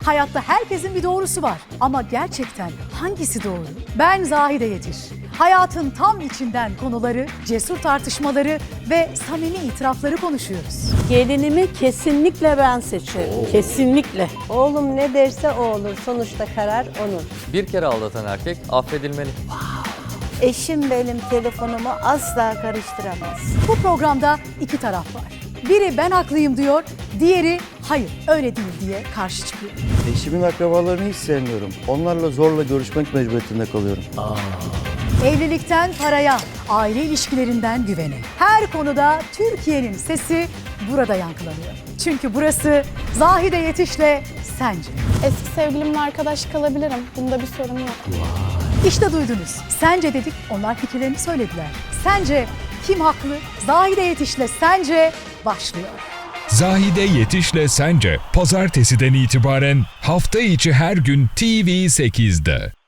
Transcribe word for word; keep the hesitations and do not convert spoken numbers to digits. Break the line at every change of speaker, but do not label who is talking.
Hayatta herkesin bir doğrusu var. Ama gerçekten hangisi doğru? Ben Zahide Yetiş. Hayatın tam içinden konuları, cesur tartışmaları ve samimi itirafları konuşuyoruz.
Gelinimi kesinlikle ben seçerim. Kesinlikle.
Oğlum ne derse o olur. Sonuçta karar onun.
Bir kere aldatan erkek affedilmeli.
Eşim benim telefonumu asla karıştıramaz.
Bu programda iki taraf var. Biri ben haklıyım diyor, diğeri hayır öyle değil diye karşı çıkıyor.
Eşimin akrabalarını hiç sevmiyorum. Onlarla zorla görüşmek mecburiyetinde kalıyorum.
Evlilikten paraya, aile ilişkilerinden güvene. Her konuda Türkiye'nin sesi burada yankılanıyor. Çünkü burası Zahide Yetiş'le Sence.
Eski sevgilimle arkadaş kalabilirim. Bunda bir sorun yok.
İşte duydunuz. Sence dedik, onlar fikirlerini söylediler. Sence kim haklı? Zahide Yetiş'le Sence başlıyor.
Zahide Yetiş'le Sence, pazartesiden itibaren hafta içi her gün T V sekizde.